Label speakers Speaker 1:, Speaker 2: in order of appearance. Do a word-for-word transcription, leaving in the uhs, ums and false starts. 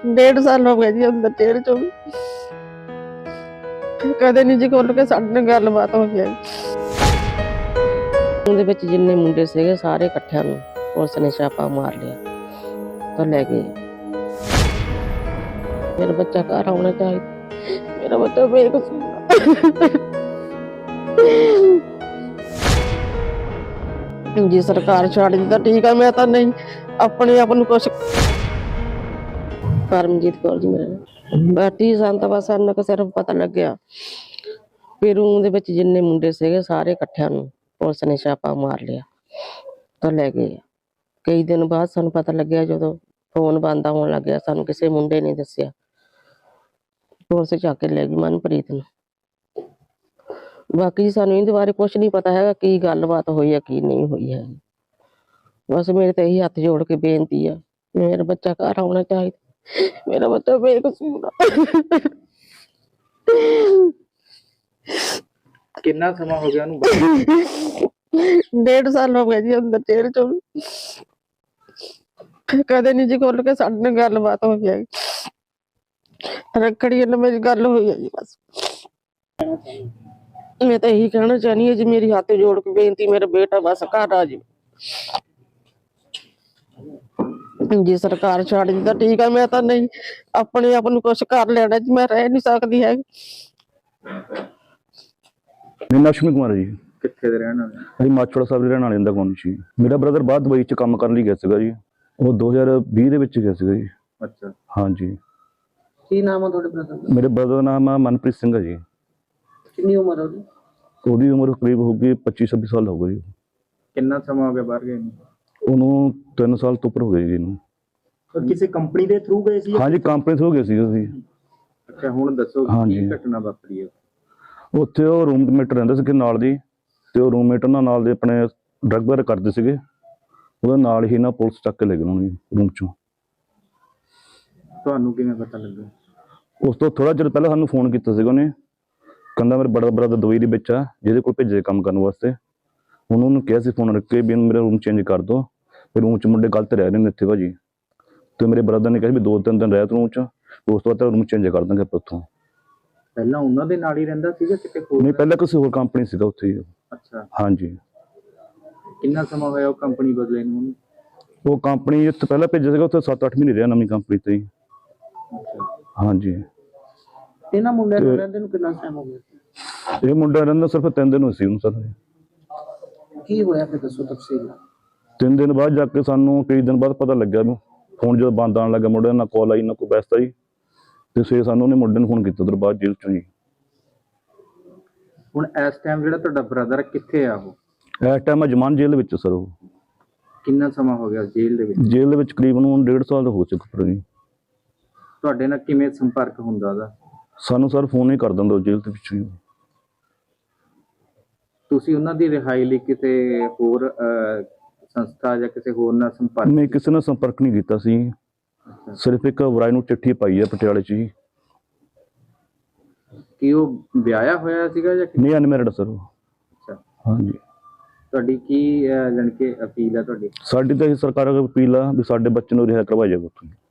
Speaker 1: डेढ़ साल हो गए जी अंदर जेल चो कदे नहीं जी खोल के साडे नाल गलबात हो गई। ਉਹਦੇ ਵਿੱਚ ਜਿੰਨੇ ਮੁੰਡੇ ਸੀਗੇ ਸਾਰੇ ਇਕੱਠਿਆਂ ਨੂੰ ਪੁਲਿਸ ਨੇ ਛਾਪਾ ਮਾਰ ਲਿਆ ਤਾਂ ਲੈ ਗਏ। ਮੇਰਾ ਬੱਚਾ ਘਰ ਆਉਣਾ ਚਾਹੀਦਾ, ਮੇਰਾ ਬੱਚਾ ਬੇਕਸੂਰ जी सरकार छड़ दी तो ठीक है, मैं तो नहीं अपने आप ਨੂੰ कुछ परमजीत कौर जी मेरा बाटी सन ਤਾਂ ਬਸ ਇੰਨਾ ਕੁ ਸਿਰਫ ਪਤਾ ਲੱਗਿਆ ਫਿਰ ਉਹਦੇ ਵਿੱਚ ਜਿੰਨੇ ਮੁੰਡੇ ਸੀਗੇ ਸਾਰੇ ਇਕੱਠਿਆਂ ਨੂੰ ਪੁਲਿਸ ਨੇ ਛਾਪਾ ਮਾਰ ਲਿਆ ਤਾਂ ਲੈ ਗਏ। ਕਈ ਦਿਨ ਬਾਅਦ ਸਾਨੂੰ ਪਤਾ ਲੱਗਿਆ ਜਦੋਂ ਫੋਨ ਬੰਦ ਹੋਣ ਲੱਗਿਆ, ਸਾਨੂੰ ਕਿਸੇ ਮੁੰਡੇ ਨੇ ਦੱਸਿਆ, ਪੁਲਿਸ ਚੱਕ ਕੇ ਲੈ ਗਈ ਮਨਪ੍ਰੀਤ ਨੂੰ। ਬਾਕੀ ਸਾਨੂੰ ਇਹਦੇ ਬਾਰੇ ਕੁਛ ਨਹੀਂ ਪਤਾ ਹੈਗਾ ਕੀ ਗੱਲਬਾਤ ਹੋਈ ਹੈ ਕੀ ਨਹੀਂ ਹੋਈ ਹੈ। ਬਸ ਮੇਰੇ ਤੇ ਇਹੀ ਹੱਥ ਜੋੜ ਕੇ ਬੇਨਤੀ ਆ, ਮੇਰਾ ਬੱਚਾ ਘਰ ਆਉਣਾ ਚਾਹੀਦਾ, ਮੇਰਾ ਬੱਚਾ ਬੇਕਸੂਰ ਆ।
Speaker 2: ਕਿੰਨਾ ਸਮਾਂ ਹੋ ਗਿਆ ਉਹਨੂੰ?
Speaker 1: डेढ़ साल हो गए जी अंदर जेल चो कदे नहीं जी खोल के साडे नाल गलबात हो गई। रखड़ी वाले मेरी गल हुई है जी बस। मैं तो यही कहना चाहनी है जी, मेरी हाथ जोड़ के बेनती, मेरा बेटा बस घर आ जाए जी। सरकार छड़ दी तो ठीक है, मैं तो नहीं अपने आप ਨੂੰ कुछ कर लेना जी, मैं रह नहीं सकती है।
Speaker 3: ਮੇਰਾ ਨਾਮ ਅਸ਼ਵਨੀ ਕੁਮਾਰ ਹੈ ਜੀ।
Speaker 2: ਕਿੱਥੇ ਦੇ ਰਹਿਣ ਵਾਲੇ?
Speaker 3: ਅਸੀਂ ਮਾਛੋੜਾ ਸਾਹਿਬ ਦੇ ਰਹਿਣ ਵਾਲੇ ਦਾ ਕੌਣ ਸੀ। ਮੇਰਾ ਬ੍ਰਦਰ ਬਾਹਰ ਦੁਬਈ ਚ ਕੰਮ ਕਰਨ ਲਈ ਗਿਆ ਸੀਗਾ ਜੀ, ਉਹ ਦੋ ਹਜ਼ਾਰ ਵੀਹ ਦੇ ਵਿੱਚ ਗਿਆ ਸੀਗਾ ਜੀ।
Speaker 2: ਅੱਛਾ,
Speaker 3: ਹਾਂਜੀ।
Speaker 1: ਕੀ ਨਾਮ ਹੈ ਤੁਹਾਡੇ ਬ੍ਰਦਰ ਦਾ?
Speaker 3: ਮੇਰੇ ਬ੍ਰਦਰ ਦਾ ਨਾਮ ਆ ਮਨਪ੍ਰੀਤ ਸਿੰਘ ਹੈ ਜੀ।
Speaker 1: ਕਿੰਨੀ ਉਮਰ ਹੈ ਉਹਦੀ?
Speaker 3: ਉਹਦੀ ਉਮਰ ਕਰੀਬ ਹੋਊਗੀ ਪੱਚੀ ਛੱਬੀ ਸਾਲ ਹੋ ਗਈ।
Speaker 2: ਕਿੰਨਾ ਸਮਾਂ ਹੋ ਗਿਆ ਬਾਹਰ ਗਏ ਨੂੰ?
Speaker 3: ਉਹਨੂੰ ਤਿੰਨ ਸਾਲ ਤੋਂ ਉੱਪਰ ਹੋ ਗਏ ਜੀ ਇਹਨੂੰ।
Speaker 2: ਕਿਸੇ ਕੰਪਨੀ ਦੇ ਥਰੂ ਗਏ ਸੀ?
Speaker 3: ਹਾਂਜੀ, ਕੰਪਨੀ ਥਰੂ ਗਏ ਸੀ ਅਸੀਂ।
Speaker 2: ਅੱਛਾ, ਹੁਣ ਦੱਸੋ ਕੀ ਘਟਨਾ ਵਾਪਰੀ ਹੈ?
Speaker 3: ਉੱਥੇ ਉਹ ਰੂਮਮੇਟ ਰਹਿੰਦੇ ਸੀਗੇ ਨਾਲ ਦੀ, ਤੇ ਉਹ ਰੂਮਮੇਟ ਉਹਨਾਂ ਨਾਲ ਦੇ ਆਪਣੇ ਡਰੱਗ ਵਗੈਰਾ ਕਰਦੇ ਸੀਗੇ, ਉਹਦੇ ਨਾਲ ਹੀ ਨਾ ਪੁਲਿਸ ਚੱਕ ਕੇ ਲੈ ਗਏ ਉਹਨੂੰ ਰੂਮ ਚੋਂ।
Speaker 2: ਤੁਹਾਨੂੰ ਕਿਵੇਂ ਪਤਾ ਲੱਗਾ?
Speaker 3: ਉਸ ਤੋਂ ਥੋੜਾ ਚਿਰ ਪਹਿਲਾਂ ਸਾਨੂੰ ਫੋਨ ਕੀਤਾ ਸੀਗਾ ਉਹਨੇ, ਕਹਿੰਦਾ ਮੇਰੇ ਬੜਾ ਬ੍ਰਦਰ ਦੁਬਈ ਦੇ ਵਿੱਚ ਆ, ਜਿਹਦੇ ਕੋਲ ਭੇਜੇ ਕੰਮ ਕਰਨ ਵਾਸਤੇ। ਉਹਨੂੰ ਉਹਨੂੰ ਕਿਹਾ ਸੀ ਫੋਨ ਰੱਖ ਕੇ ਵੀ ਮੇਰਾ ਰੂਮ ਚੇਂਜ ਕਰ ਦਿਓ, ਫਿਰ ਰੂਮ 'ਚ ਮੁੰਡੇ ਗਲਤ ਰਹਿ ਰਹੇ ਨੇ ਇੱਥੇ ਭਾਜੀ। ਤੇ ਮੇਰੇ ਬ੍ਰਦਰ ਨੇ ਕਿਹਾ ਵੀ ਦੋ ਤਿੰਨ ਦਿਨ ਰਹਿ ਤੂੰ ਰੂਮ 'ਚ, ਉਸ ਤੋਂ ਬਾਅਦ ਰੂਮ ਚੇਂਜ ਕਰ ਦਾਂਗੇ ਆਪਾਂ ਉੱਥੋਂ।
Speaker 2: ਪਹਿਲਾਂ ਉਹਨਾਂ ਦੇ ਨਾਲ ਹੀ ਰਹਿੰਦਾ ਸੀਗਾ ਕਿਤੇ ਹੋਰ?
Speaker 3: ਨਹੀਂ, ਪਹਿਲਾਂ ਕਿਸੇ ਹੋਰ ਕੰਪਨੀ ਸੀਗਾ ਉੱਥੇ ਹੀ।
Speaker 2: ਅੱਛਾ, ਹਾਂਜੀ। ਕਿੰਨਾ ਸਮਾਂ ਹੋਇਆ ਉਹ ਕੰਪਨੀ ਬਦਲੇ ਨੂੰ? ਉਹ
Speaker 3: ਕੰਪਨੀ ਇੱਥੇ ਪਹਿਲਾਂ ਭੇਜਿਆ ਸੀਗਾ, ਉੱਥੇ ਸੱਤ ਅੱਠ ਮਹੀਨੇ ਰਿਹਾ ਨਵੀਂ ਕੰਪਨੀ ਤੇ ਹੀ। ਹਾਂਜੀ।
Speaker 1: ਇਹਨਾਂ ਮੁੰਡਿਆਂ ਨੂੰ ਰਹਿੰਦੇ ਨੂੰ ਕਿੰਨਾ ਟਾਈਮ ਹੋ ਗਿਆ?
Speaker 3: ਇਹ ਮੁੰਡਾ ਰਹਿੰਦਾ ਸਿਰਫ ਤਿੰਨ ਦਿਨ ਹੋਏ ਸੀ ਉਹਨੂੰ ਸਰ।
Speaker 1: ਕੀ ਹੋਇਆ ਫਿਰ ਦੱਸੋ ਤਫਸੀਲ ਨਾਲ।
Speaker 3: ਤਿੰਨ ਦਿਨ ਬਾਅਦ ਜਾ ਕੇ ਸਾਨੂੰ ਕਈ ਦਿਨ ਬਾਅਦ ਪਤਾ ਲੱਗਿਆ, ਫੋਨ ਜਦੋਂ ਬੰਦ ਆਉਣ ਲੱਗਾ ਮੁੰਡੇ ਨਾਲ ਕਾਲ ਆਈ ਨਾ ਕੋਈ ਬੈਸਤਾ ਜੀ, ਤੇ ਸਵੇਰੇ ਸਾਨੂੰ ਉਹਨੇ ਮੁੰਡੇ ਨੂੰ ਫੋਨ ਕੀਤਾ ਉਧਰ ਬਾਅਦ ਜੇਲ੍ਹ ਚੋਂ ਜੀ।
Speaker 2: ਹੁਣ ਇਸ ਟਾਈਮ ਜਿਹੜਾ ਤੁਹਾਡਾ ਬ੍ਰਦਰ ਕਿੱਥੇ ਆ? ਉਹ
Speaker 3: ਇਸ ਟਾਈਮ ਜਮਾਨ ਜੇਲ੍ਹ ਵਿੱਚ ਸਰ। ਉਹ
Speaker 2: ਕਿੰਨਾ ਸਮਾਂ ਹੋ ਗਿਆ ਜੇਲ੍ਹ ਦੇ ਵਿੱਚ?
Speaker 3: ਜੇਲ੍ਹ ਦੇ ਵਿੱਚ ਕਰੀਬਨ ਹੁਣ ਡੇਢ ਸਾਲ ਹੋ ਚੁੱਕਾ ਜੀ।
Speaker 2: ਤੁਹਾਡੇ ਨਾਲ ਕਿਵੇਂ ਸੰਪਰਕ ਹੁੰਦਾ ਉਹਦਾ?
Speaker 3: ਸਾਨੂੰ ਸਰ ਫੋਨ ਹੀ ਕਰ ਦਿੰਦਾ ਜੇਲ੍ਹ ਦੇ ਵਿੱਚੋਂ ਹੀ।
Speaker 2: ਤੁਸੀਂ ਉਹਨਾਂ ਦੀ ਰਿਹਾਈ ਲਈ ਕਿਸੇ ਹੋਰ ਸੰਸਥਾ ਜਾਂ ਕਿਸੇ ਹੋਰ ਨਾਲ ਸੰਪਰਕ?
Speaker 3: ਨਹੀਂ, ਕਿਸੇ ਨਾਲ ਸੰਪਰਕ ਨਹੀਂ ਕੀਤਾ ਸੀ, ਸਿਰਫ ਇੱਕ ਵਰਾਈ ਨੂੰ ਚਿੱਠੀ ਪਾਈ ਹੈ ਪਟਿਆਲੇ 'ਚ ਜੀ।
Speaker 2: ਕੀ ਉਹ ਵਿਆਹਿਆ ਹੋਇਆ ਸੀਗਾ ਜਾਂ
Speaker 3: ਨਹੀਂ, ਅਨਮੈਰਿਡ ਸਰ ਉਹ।
Speaker 2: ਅੱਛਾ,
Speaker 3: ਹਾਂਜੀ।
Speaker 2: ਤੁਹਾਡੀ ਕੀ ਜਾਣੀ ਕਿ ਅਪੀਲ ਹੈ ਤੁਹਾਡੀ?
Speaker 3: ਸਾਡੀ ਤਾਂ ਇਹ ਸਰਕਾਰ ਅੱਗੇ ਅਪੀਲ ਆ ਵੀ ਸਾਡੇ ਬੱਚੇ ਨੂੰ ਰਿਹਾ ਕਰਵਾਇਆ ਜਾਵੇ ਉੱਥੋਂ।